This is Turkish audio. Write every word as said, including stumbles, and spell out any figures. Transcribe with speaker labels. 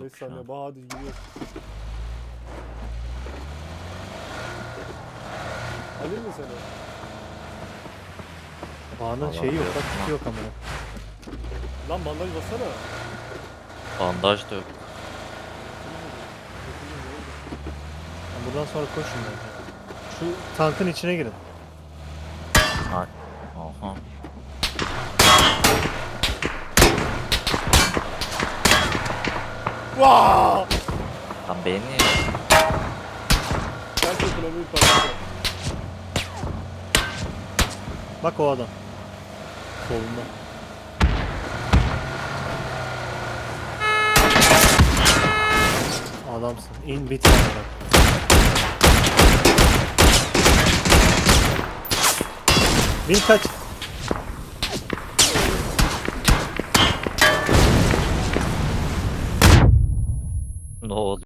Speaker 1: beş
Speaker 2: şu
Speaker 1: saniye.
Speaker 2: an.
Speaker 1: Bah hadi gidiyor. Alayım mı seni?
Speaker 3: Bağının
Speaker 2: Vallahi
Speaker 3: şeyi yok
Speaker 2: yok.
Speaker 3: bak kiti yok ama.
Speaker 1: Lan bandaj bassana.
Speaker 2: Bandaj da yok.
Speaker 3: Buradan sonra koşun bence. Şu tankın içine girin.
Speaker 2: Ha. Aha.
Speaker 1: Vaa!
Speaker 2: Lan beni
Speaker 1: Ters ekonomiyi parçalıyor.
Speaker 3: Bak o adam. Solunda. Adamsın. İn bir tane bak. Bin kaç.
Speaker 2: ne oldu?